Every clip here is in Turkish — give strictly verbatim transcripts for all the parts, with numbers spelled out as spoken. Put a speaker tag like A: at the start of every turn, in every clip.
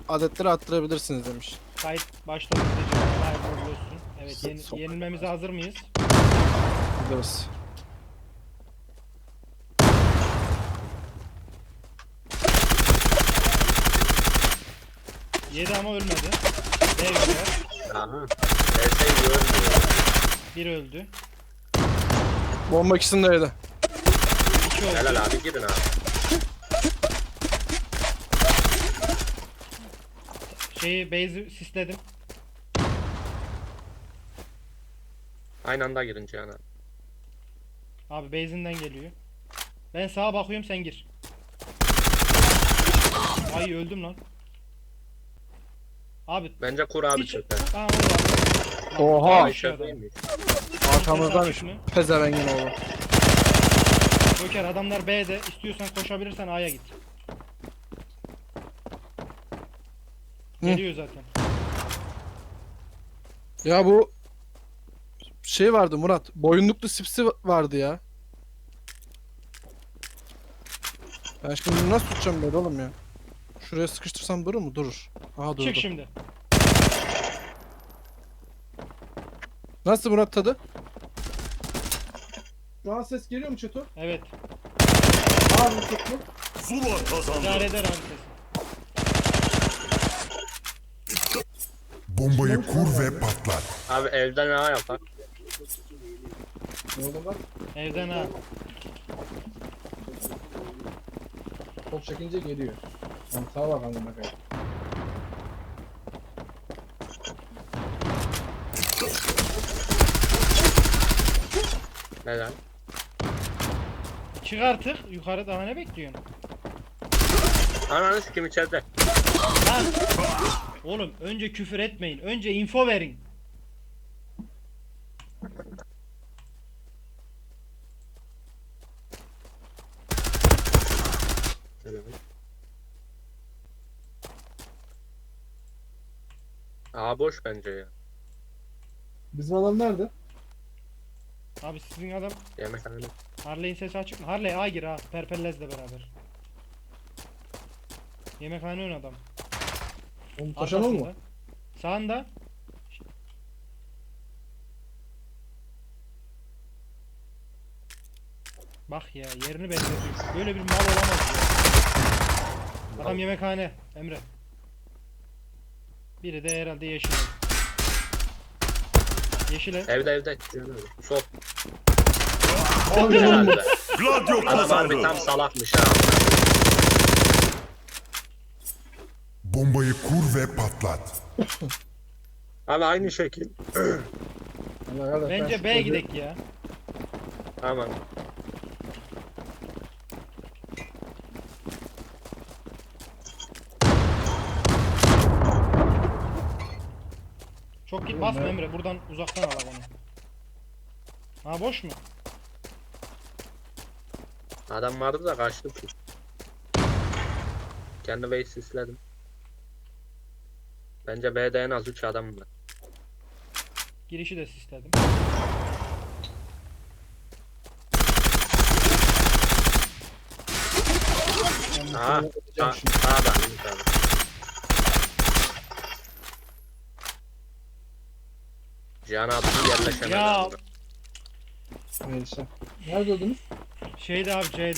A: adetleri arttırabilirsiniz demiş.
B: Kayıt başladı diyeceğim. Hayırlı uğurlu olsun. Evet, yeni,
A: Sok-
B: yenilmemize hazır mıyız?
A: Gideriz.
B: Yedi ama ölmedi. B öldüler.
C: Aha. Neyse görmüyor.
B: Bir öldü.
A: Bomba ikisini de yedi.
B: İki öldü.
C: Helal abi girin abi.
B: Şeyi base'i sisledim.
C: Aynı anda girin Cihan abi.
B: Abi base'inden geliyor. Ben sağa bakıyorum, sen gir. Ay öldüm lan. Abi
C: Bence kur abi
B: hiç...
C: çöpe.
B: Aa, orada.
A: Oha!
B: Ay,
C: Ay
B: şu adam.
C: çöpeymiş.
A: Arkamızdanmış.
B: Ses açık mı?
A: Pezevengin oğlu.
B: Joker, adamlar B'de. İstiyorsan koşabilirsen A'ya git.
A: Hı.
B: Geliyor zaten.
A: Ya bu şey vardı Murat. Boyunluklu sipsi vardı ya. Ben şimdi bunu nasıl tutacağım böyle oğlum ya? Şuraya sıkıştırsam durur mu? Durur. Aha durdu.
B: Çık şimdi.
A: Nasıl Murat tadı? Şu an ses geliyor mu Çeto?
B: Evet.
A: Abi çok mu?
D: Zula kazandı.
B: İdare eder abi ses.
D: Bombayı kur ve patlat.
C: Abi evden ne yapar?
A: Ne oldu bak?
B: Evden ha.
A: Top çekince geliyor. Mantığa bak anlamına kadar.
C: Neden?
B: Çık artık. Yukarı daha ne bekliyorsun?
C: Ananı sikim içeride.
B: Lan! Oğlum önce küfür etmeyin. Önce info verin.
C: Aa boş bence ya.
A: Bizim adam nerede?
B: Abi sizin adam
C: Yemekhane.
B: Harley'in sesi açık mı? Harley A gir ha. Perpellez'le beraber. Yemekhane ön adam.
A: Onu taşan o mu?
B: Arkasında. Sağında. Bak ya, yerini belli ediyor. Böyle bir mal olamaz ya. Adam yemekhane Emre. Biri de herhalde yeşil ev. Yeşil ev.
C: Evde evde. Cihan abi. Sol.
A: Abi
C: Herhalde.
D: Gladio
C: Adam harbi tam
D: kazandı.
C: salakmış ha.
D: Bombayı kur ve patlat.
C: Abi aynı şekil.
A: Allah Allah, ben
B: Bence
A: şu
B: B'ye
A: çocuğu-
B: gidek ya.
C: Tamam.
B: Çok git
A: Oğlum
B: basma
A: ne-
B: Emre, buradan uzaktan al onu. Ha boş mu?
C: Adam vardı da kaçtım ki. Kendi base sisledim. Bence B'de en az üç adam var.
B: Girişi de sisledim.
A: Ben bu
C: Aha.
A: çocuğu öldüreceğim
C: Sağ,
A: şimdi.
C: sağda. sağda. Cihan abi yerleşemedi.
B: Ya.
C: abi.
A: Neyse. Nerede öldünüz?
B: Şeyde abi C'de.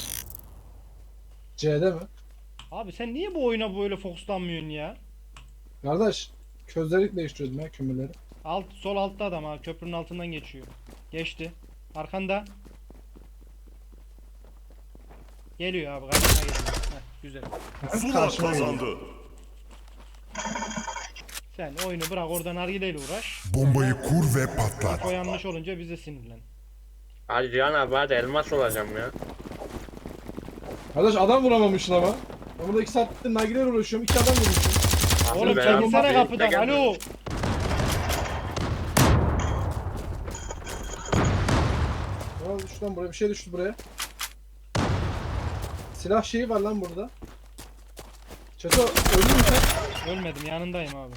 A: C'de mi?
B: Abi sen niye bu oyuna böyle fokuslanmıyorsun ya?
A: Kardeş, közleri değiştiriyordum ya kömürleri.
B: Alt, sol altta adam ha, köprünün altından geçiyor. Geçti. Arkanda. Geliyor abi, karşına geliyor. Heh, güzel.
D: Zula
A: Karşıma geliyor.
D: kazandı.
B: Sen oyunu bırak, oradan nargileyle uğraş.
D: Bombayı kur ve patlat.
B: O yanlış olunca bize sinirlen.
C: Hadi Cihan abi hadi elmas olacağım ya.
A: Kardeş adam vuramamışsın ama. Ben burada iki saattir nargileyle uğraşıyorum. iki adam vurmuşum.
C: Abi
B: Oğlum
C: ben
B: çekilsene
C: abi,
B: kapıdan.
C: de
B: Alo.
A: Ya düştü lan buraya. Bir şey düştü buraya. Silah şeyi var lan burada. Çeto öldün mü sen?
B: Ölmedim, yanındayım abi.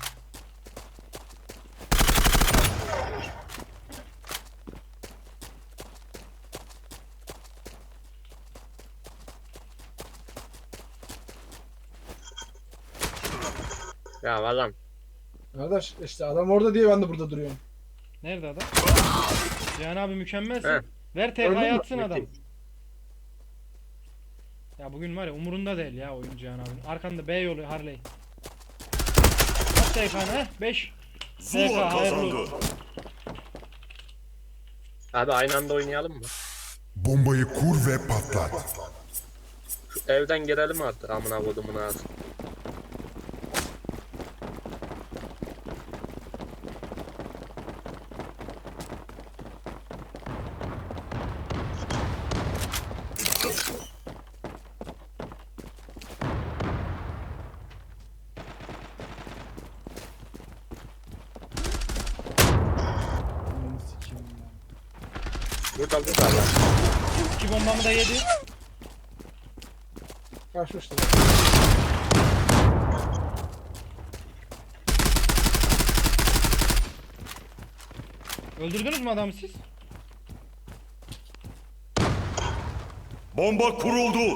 C: Ya adam.
A: Arkadaş işte adam orada diye ben de burada duruyorum.
B: Nerede adam? Cihan abi mükemmelsin.
C: He.
B: Ver
A: Gördün mü?
B: T K'ya atsın
C: Müthiş.
B: adam. Ya bugün var ya umurunda değil ya oyun Cihan abi. Arkanda B yolu Harley. At T K'nı heh. beş. T K hayırlı.
C: Abi aynı anda oynayalım mı?
D: Bombayı kur ve patlat.
C: Şu evden girelim artık amına kodumun ağzı.
A: Ananı sikeyim ya.
C: Burada burada adam.
B: İki bombamı da yedi.
A: Kaçmıştı.
B: Öldürdünüz mü adamı siz?
E: Bomba kuruldu.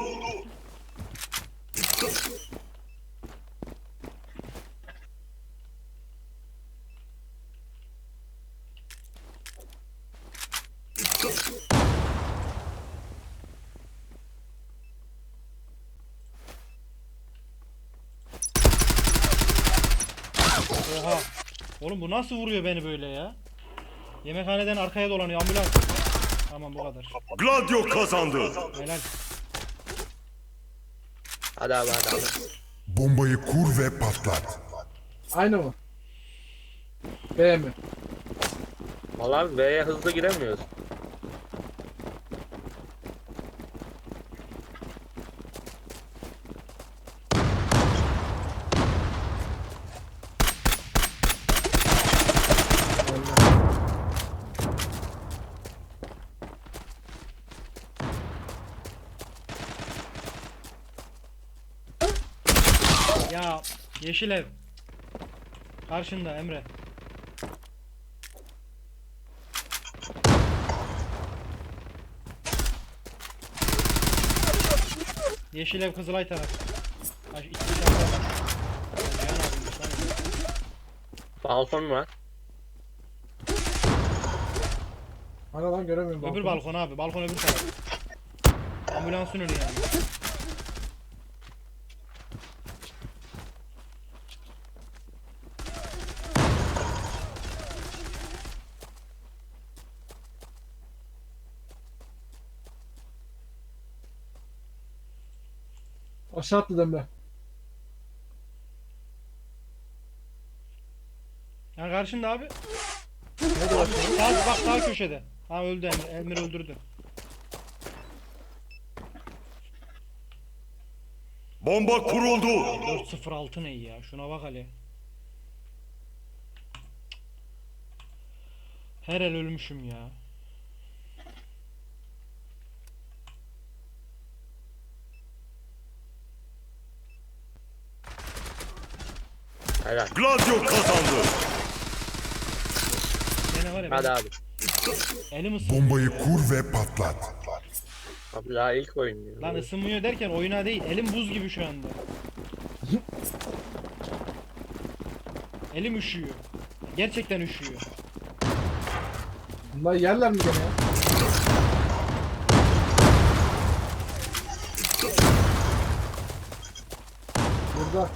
B: Oha. Oğlum bu nasıl vuruyor beni böyle ya? Yemekhaneden arkaya dolanıyor ambulans. Tamam bu kadar.
E: Gladio kazandı.
B: Helal.
C: Hadi abi hadi abi.
D: Bombayı kur ve patlat.
A: Aynı mı? B mi?
C: Vallahi V'ye hızlı giremiyoruz.
B: Ya yeşil ev. Karşında Emre. Yeşil ev Kızılay taraf. Ay, iki tane var. Cihan abiymiş lan.
C: Balkon var.
A: Hani lan göremiyorum.
B: Öbür
A: balkonu.
B: balkon abi. Balkon öbür taraf. Ambulansın önü yani.
A: Aşağı attı Demre.
B: Ya karşında abi.
A: Nerede başlıyor?
B: Sağ, bak sağ köşede. Ha öldü Emir. Emir öldürdü.
E: Bomba kuruldu.
B: dört sıfır altı ne ya? Şuna bak hele. Her el ölmüşüm ya.
C: Helal.
E: Gladio kazandı.
B: Gene var ya.
C: Hadi
B: ben-
C: abi.
B: Elim ısınmıyor.
D: Bombayı kur ve patlat.
C: Abi daha ilk oynuyor.
B: Lan ısınmıyor derken oyuna değil. Elim buz gibi şu anda. Elim üşüyor. Gerçekten üşüyor.
A: Bunlar yerler mi gene ya? Burada.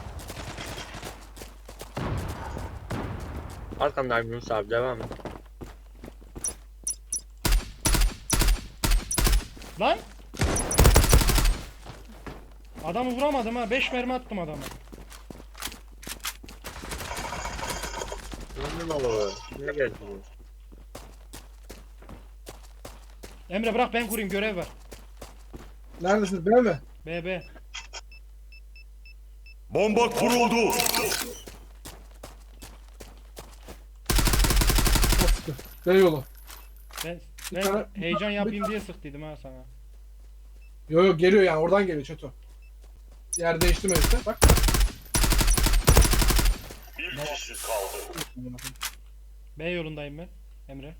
C: Arkandayım Yunus abi devam et.
B: Lan! Adamı vuramadım ha. beş mermi attım adama.
C: Ne olur? Ne geldi?
B: Emre bırak ben kurayım, görev var.
A: Neredesiniz? B mi?
B: B B.
E: Bomba kuruldu.
A: O sıkı. B yolu.
B: Ben,
A: Bir
B: ben
A: tane-
B: heyecan
A: bir-
B: yapayım diye sıktıydım ha sana.
A: Yo yo geliyor yani oradan geliyor Çeto. Yer değiştirme işte bak.
E: Bir kişi kaldı.
B: B yolundayım ben. Emre.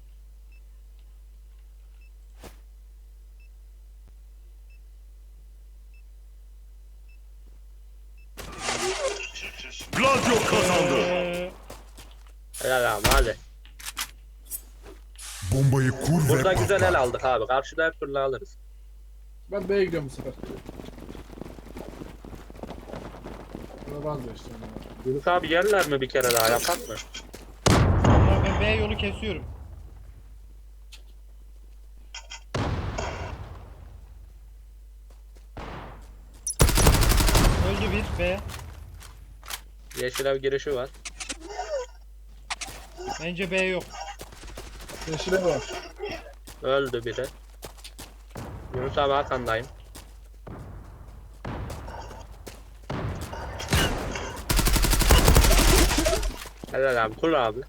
E: Gladio Gladio kazandı.
B: Ee,
C: Helal abi hadi.
D: Bombayı kur ve
C: Burada güzel el
D: patlat.
C: aldık abi. Karşıda hep fırla alırız.
A: Ben B'ye gidiyorum bu sefer. Buna vazgeçtim ya.
C: Yunus abi yerler mi bir kere daha yapak mı?
B: Vallahi ben B yolu kesiyorum. Öldü bir B.
C: Yeşil ev girişi var.
B: Bence B yok.
A: Yeşile var.
C: Öldü biri. Yunus abi arkandayım. Helal abi kur abi.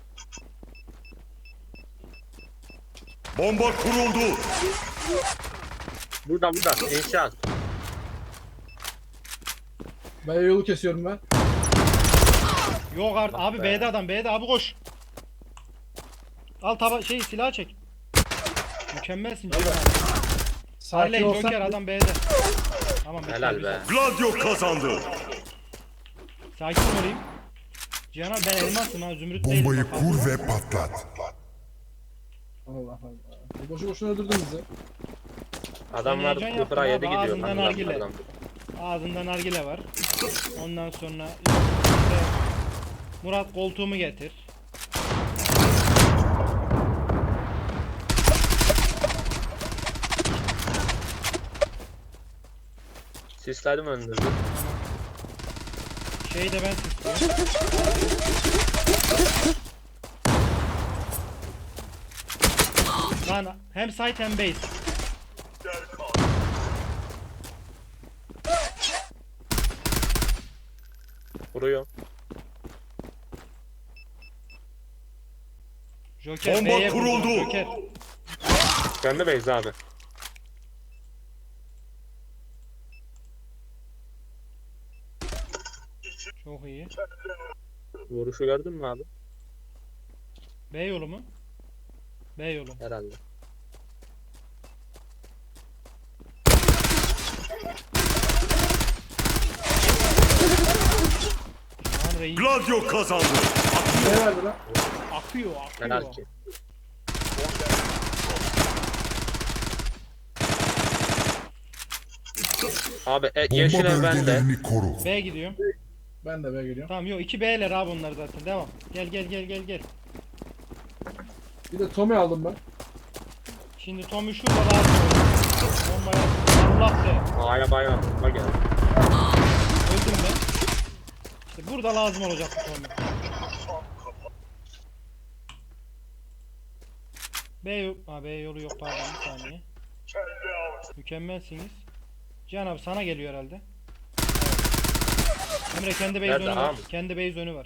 E: Bomba kuruldu.
C: Burada burada inşaat.
A: B yolu kesiyorum ben.
B: Yok artık. Abi
C: be.
B: B'de adam. B'de abi koş. Al taba şey silah çek. Mükemmelsin Cihan abi.
A: Sakin
B: Harley
A: olsan.
B: Joker adam B'de. Tamam bekle,
C: Helal
B: bir
C: be.
B: saniye.
E: Gladio kazandı.
B: Sakin olayım. Cihan abi ben elmasım ha zümrüt değilim.
D: Bombayı
B: bak,
D: kur
B: abi.
D: ve patlat.
A: Allah Allah. Boşu boşuna öldürdün bizi.
C: Adamlar
B: Sen heyecan
C: sıfıra
B: yaptın
C: yedi
B: abi,
C: gidiyor.
B: ağzından
C: lan
B: nargile.
C: adamlardan.
B: Ağzında nargile var. Ondan sonra işte Murat koltuğumu getir.
C: Sisledim önünüzü.
B: Şeyi de ben istiyorum. Lan hem site hem base.
C: Vuruyor.
B: Joker
E: Bomba
B: B'ye vurdu,
E: kuruldu.
B: Joker.
C: Kendi base abi.
B: Çok iyi.
C: Vuruşu gördün mü abi?
B: B yolu mu? B yolu.
C: Herhalde.
B: Lan reis
E: Gladio kazandı.
A: Ne verdi lan?
B: akıyor akıyor.
C: Helal ki. Abi e,
D: Bomba
C: yeşil ev bende.
D: bölgelerini koru.
B: B gidiyorum.
A: Ben de B'ye geliyorum.
B: Tamam yok iki B'ler abi onlar zaten devam. Gel gel gel gel gel.
A: Bir de Tommy aldım ben.
B: Şimdi Tommy şurada lazım. Bombaya Allah de.
C: A'ya bayağı tutma geldi.
B: Öldüm ben. İşte burada lazım olacak bu Tommy. B yok. Ha, B yolu yok pardon bir saniye. Mükemmelsiniz. Cihan abi sana geliyor herhalde. Emre kendi base
C: Nerede
B: önü var.
C: abi?
B: Kendi base önü var.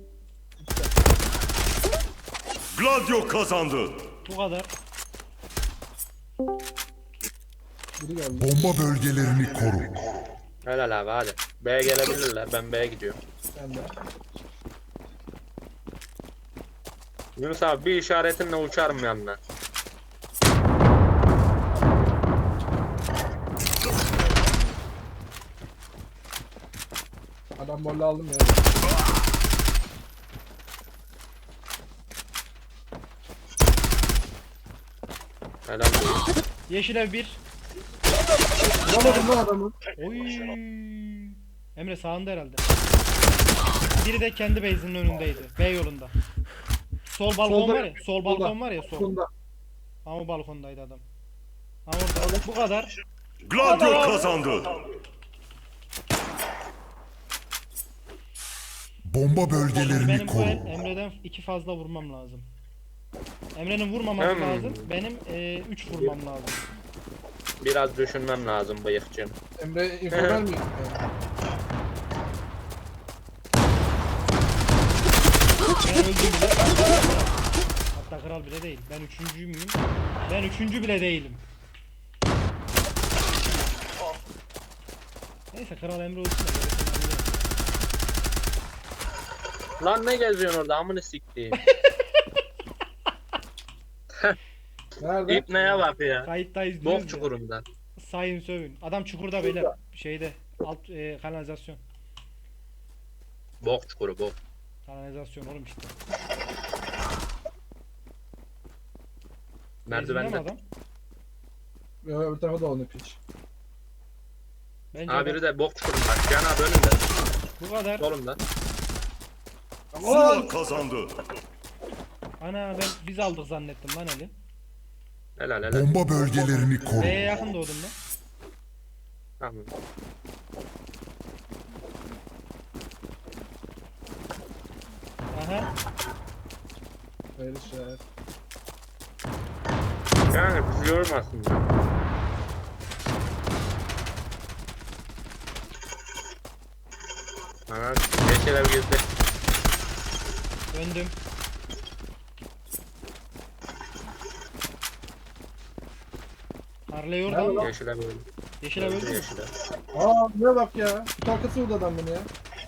E: Gladio kazandı.
B: Bu kadar.
A: Biri geldi.
D: Bomba bölgelerini koru.
C: Helal abi hadi. B'ye gelebilirler. Ben B'ye gidiyorum.
A: Ben de.
C: Yunus abi bir işaretinle uçarım yanına.
A: Adam bolle aldım ya.
C: Helal olsun.
B: Yeşil ev bir.
A: Vuramadım lan adamı.
B: Oy. Emre sağında herhalde. Biri de kendi base'inin önündeydi. B yolunda. Sol balkon
A: Solda-
B: var ya. Sol balkon
A: solda.
B: var ya sol.
A: Bunda.
B: Ama balkondaydı adam. Ha orada. Bu kadar.
E: Gladio kazandı.
D: Bomba bölgelerini
B: Benim bu el
D: koru.
B: Emre'den iki fazla vurmam lazım. Emre'nin vurmaması
C: Hmm.
B: lazım. Benim e, üç vurmam lazım.
C: Biraz düşünmem lazım bıyıkçım.
A: Emre info vermiyor.
B: Ben öldüm bile. Hatta kral bile değil. Ben üçüncü müyüm? Ben üçüncü bile değilim. Neyse kral Emre olsun da gerisini hallederiz.
C: Lan ne geziyorsun orada amını siktiğim.
A: Nerede?
C: İpneye bak ya.
B: Kayıttayız
C: Bok
B: diyoruz ya.
C: çukurunda.
B: Sayın sövün. Adam çukurda beyler. Şeyde. Alt e, kanalizasyon.
C: Bok çukuru bok.
B: Kanalizasyon oğlum işte.
C: Merdivende.
B: Benzinde mi adam?
A: Ya öbür tarafa da onu piç.
B: Bence
C: Aa
B: adam-
C: biri de bok çukurunda. Can abi önünde.
B: bu kadar.
C: Solunda.
E: Zula kazandı.
B: Ana ben biz aldık zannettim lan eli.
C: Helal helal.
D: Bomba bölgelerini koru.
B: B'ye yakın doğdum ben.
C: Tamam.
B: Aha.
A: Hayır işaret.
C: Yani bizi yormasın. Ana yeşil ev gezdi.
B: Döndüm. Harley oradan.
C: Yeşil ev öldü.
B: Yeşil ev öldü mü?
C: Yeşil ev.
A: Aa ne bak ya. Kutu arkası vurdu adam beni ya.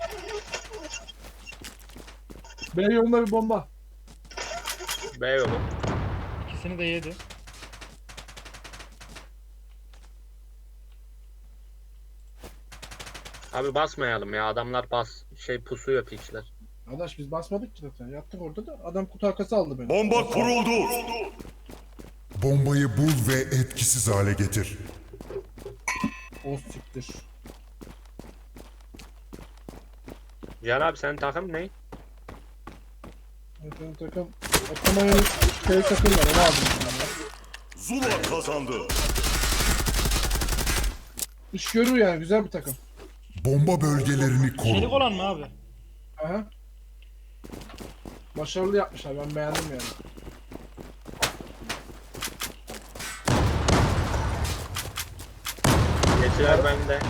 A: B yolunda bir bomba.
C: B yolu.
B: İkisini de yedi.
C: Abi basmayalım ya, adamlar bas şey pusuyor piçler.
A: Arkadaş biz basmadık ki zaten. Yattık orada da adam kutu arkası aldı beni.
E: Bomba kuruldu.
D: Bombayı bul ve etkisiz hale getir.
A: O siktir.
C: Can abi senin takım ne?
A: Benim takım Otomaya'nın şey takım var onu aldım. ben ya.
E: Zula kazandı.
A: İş görür yani güzel bir takım.
D: Bomba bölgelerini
B: Çelik
D: koru.
B: olan mı abi?
A: Aha. Başarılı yapmışlar ben beğendim yani.
C: Yeşil ev bende.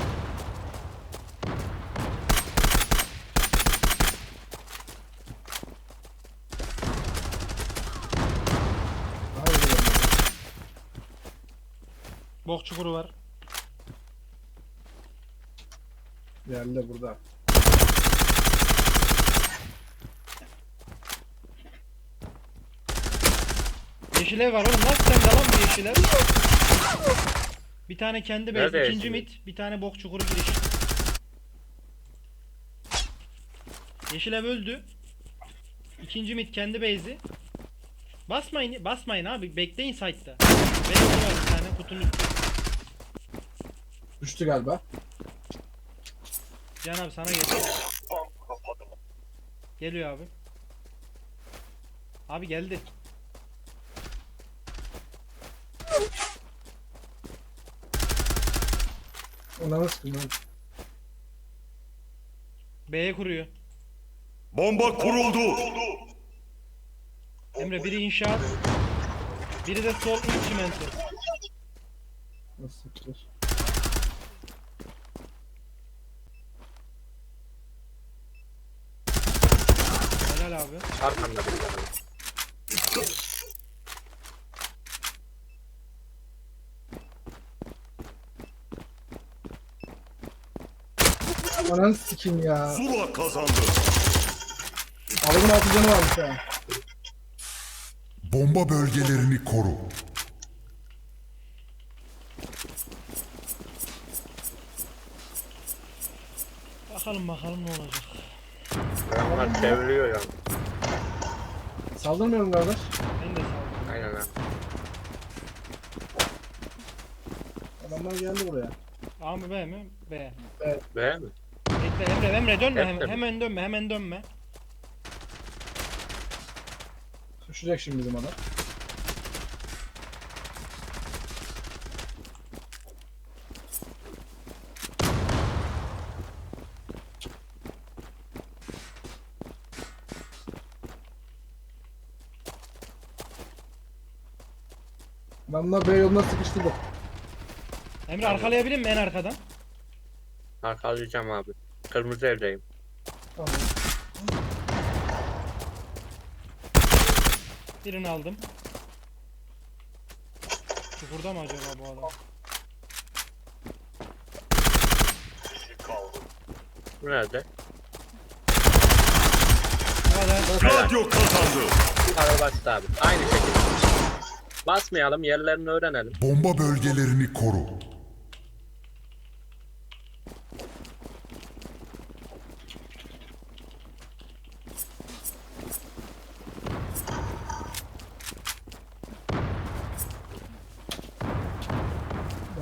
A: Daha iyi bir bomba.
B: Bok çukuru var.
A: Yerli de burada.
B: Yeşil ev var oğlum. Nasıl sende lan bu yeşil ev? Bir tane kendi base,
C: Nerede
B: ikinci
C: yeşil ev?
B: mit, bir tane bok çukuru giriş. Yeşil ev öldü. İkinci mit kendi base'i. Basmayın, basmayın abi. Bekleyin site'da. Base var bir tane kutunun üstü.
A: Düştü galiba.
B: Can abi sana geliyor. Geliyor abi. Abi geldi.
A: Ona nasıl kıyım?
B: B'ye kuruyor.
E: Bomba kuruldu.
B: Emre biri inşaat. Biri de sol ilk çimento.
A: Nasıl siktir?
B: Helal abi.
C: Arkamda bir tane.
A: Ananı sikim ya.
E: Zula kazandı.
A: Adamın altı canı varmış ya.
D: Bomba bölgelerini koru.
B: Bakalım bakalım ne olacak.
C: Adamlar çeviriyor ya.
A: Saldırmıyorum kardeş.
B: Ben de saldım.
C: Aynen ha.
A: Adamlar geldi buraya.
B: A mı B mi? B.
C: B mi?
B: Bekle Emre Emre dönme
C: Hep
B: hemen,
C: de mi?
B: hemen dönme hemen dönme.
A: Düşecek şimdi bizim adam. Adamlar B yoluna sıkıştırdı.
B: Emre arkalayabilir mi en arkadan?
C: Arkalayacağım abi. Kırmızı evdeyim.
A: Tamam.
B: Birini aldım. Çukurda mı acaba bu adam?
C: Bu nerede?
B: Bu kadar.
E: Gladio kazandı.
C: Bu kadar basit abi. Aynı şekilde. Basmayalım, yerlerini öğrenelim.
D: Bomba bölgelerini koru.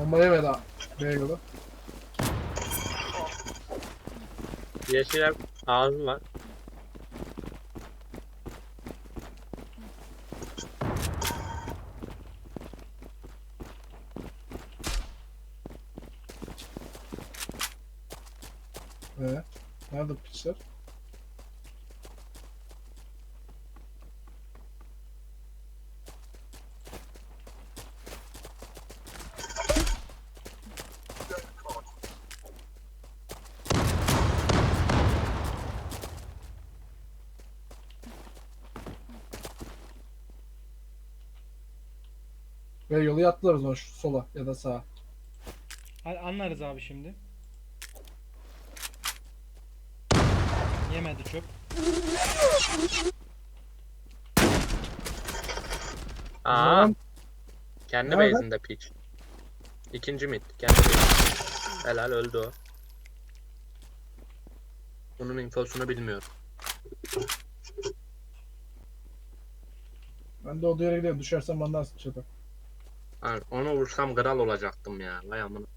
F: Bomba yemedi ha. B yolu.
C: Yeşil ev ağzı var.
F: Ee, nerede piçler? Ve yolu yattılar o zaman şu sola ya da sağa.
B: Hadi anlarız abi şimdi. Yemedi çöp.
C: Aa,
F: zaman-
C: kendi
F: Nerede?
C: base'inde piç. İkinci mid. Kendi base. Helal öldü o. Bunun infosunu bilmiyorum.
F: Ben de o yere gidiyorum. Düşersem bandarsın çatı.
C: Yani onu vursam kral olacaktım ya. Vay amına.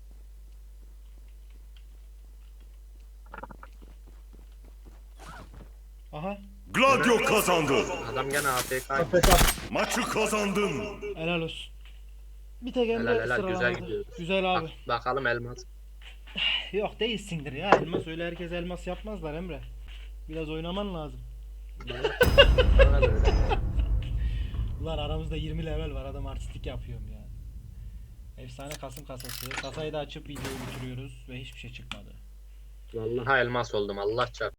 B: Aha.
E: Gladio kazandı.
C: Adam gene A F K.
F: A F K.
E: Maçı kazandın.
B: Helal olsun. Bir tek Emre
C: Helal helal güzel
B: sıralamadı.
C: gidiyoruz.
B: Güzel abi.
C: Bak, bakalım elmas.
B: Yok değilsindir ya elmas. Öyle herkes elmas yapmazlar Emre. Biraz oynaman lazım.
C: Bana da öyle.
B: Ulan aramızda yirmi level var, adam artistik yapıyorum ya. Efsane Kasım kasası. Kasayı da açıp videoyu bitiriyoruz ve hiçbir şey çıkmadı.
C: Vallahi elmas oldum Allah çarpsın.